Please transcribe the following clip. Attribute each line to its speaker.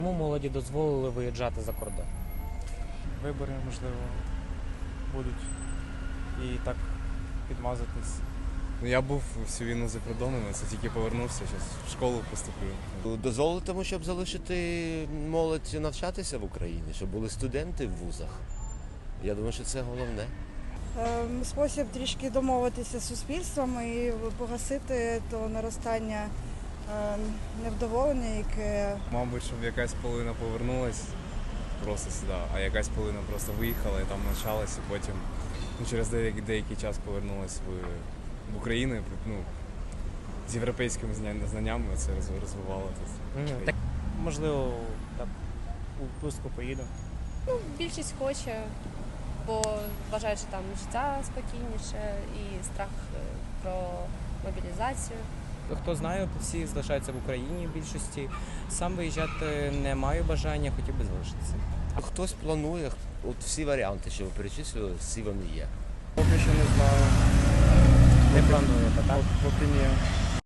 Speaker 1: Чому молоді дозволили виїжджати за кордон?
Speaker 2: Вибори, можливо, будуть і так підмазатись.
Speaker 3: Я був всю війну за кордоном, це тільки повернувся, зараз в школу поступлю.
Speaker 4: Дозволитиму, щоб залишити молодь навчатися в Україні, щоб були студенти в вузах. Я думаю, що це головне.
Speaker 5: Спосіб трішки домовитися з суспільством і погасити то наростання невдоволення, яке...
Speaker 3: Мабуть, щоб якась половина повернулась просто сюди, а якась половина просто виїхала і там навчалась, і потім через деякий час повернулась в Україну, з європейськими знаннями це розвивало тут.
Speaker 1: Так,
Speaker 2: Можливо, так, у відпустку поїду.
Speaker 6: Більшість хоче, бо вважають, що там життя спокійніше і страх про мобілізацію.
Speaker 1: хто знає, всі залишаються в Україні в більшості. Сам виїжджати не маю бажання, хотів би залишитися.
Speaker 4: Хтось планує, от всі варіанти, що ви перечислили, всі вони є.
Speaker 2: Поки що не знаю.
Speaker 1: Не плануєте, так?
Speaker 2: Поки ні.